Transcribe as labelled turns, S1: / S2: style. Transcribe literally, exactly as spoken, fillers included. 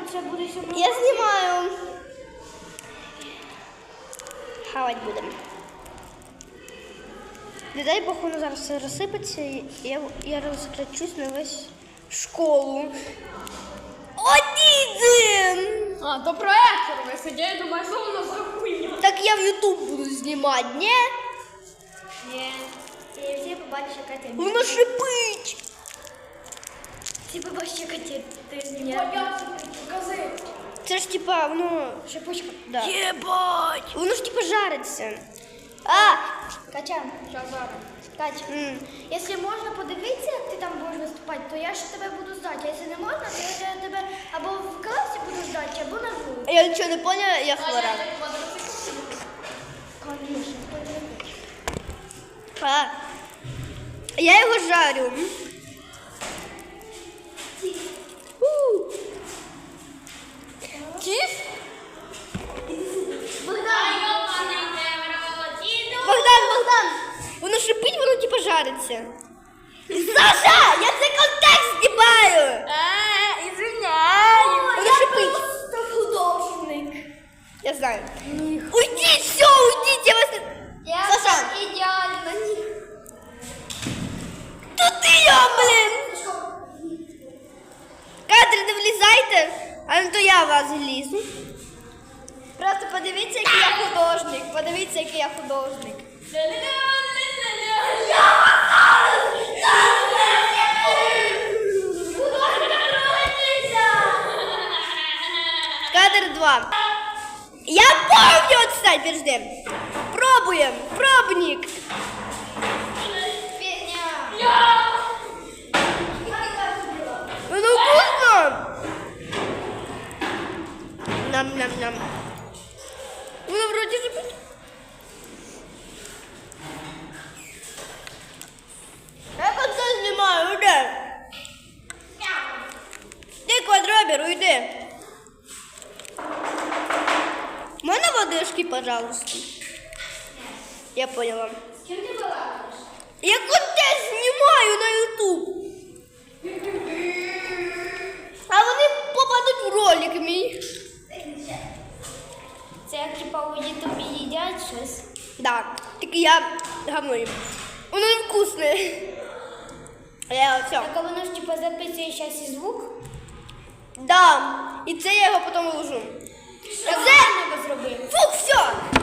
S1: це буде сьогодні.
S2: Я знімаю. Хавать будемо. Не дай Бог, воно зараз все розсипеться, і я, я розкричусь на весь школу. Один!
S1: А, то проектор висить, я думаю, що воно за хуйня.
S2: Так я в Ютуб буду знімати, ні?
S1: Ні. І всі побачать, яка ти.
S2: Воно шипить.
S1: Всі побачать, яка ти. Ти знімаєш. Покази.
S2: Це ж типа, воно...
S1: Шипучка.
S2: Да.
S1: Єбать.
S2: Воно ж типа жариться. А!
S1: Катя, що зараз? Катя,
S2: М.
S1: якщо можна подивитися, як ти там будеш виступати, то я ще тебе буду здати. А якщо не можна, то я тебе або в класі буду здати, або на вулиці.
S2: Я нічого не поняла, я хвора.
S1: Конечно,
S2: А. Я його жарю. У. Тіф? Богдан, Богдан! Воно шипить, воно типа жариться. Саша! Я цей контекст знімаю!
S1: Е, извиняю.
S2: Воно шипить.
S1: Це художник.
S2: Я знаю. Уйдіть, все, уйдіть, я вас не...
S1: Я
S2: Саша!
S1: так ідеально.
S2: Тут ти я, блин! Кадри, не влізайте, а не то я в вас влізу. Просто подивіться, який я художник. Подивіться, який я художник. Кадр два. Я помню, отстань, подожди. Пробуем, пробник. Ну вкусно. Нам-нам-нам. Ну вроде же... Я как-то снимаю, уйди. Ты, квадробер, уйди. Можно водышки, пожалуйста? Я поняла.
S1: Чим ти балакаєш?
S2: Я контент знімаю на ютуб. А вони попадуть в ролик мій.
S1: Це як типа у Ютубі їдять щось.
S2: Да, тільки я говно їм. Воно невкусне. Я все.
S1: Так а воно ж типа записує щас і звук.
S2: Да. І це я його потім вложу.
S1: Що
S2: Це...
S1: ти зробив?
S2: Фух, все.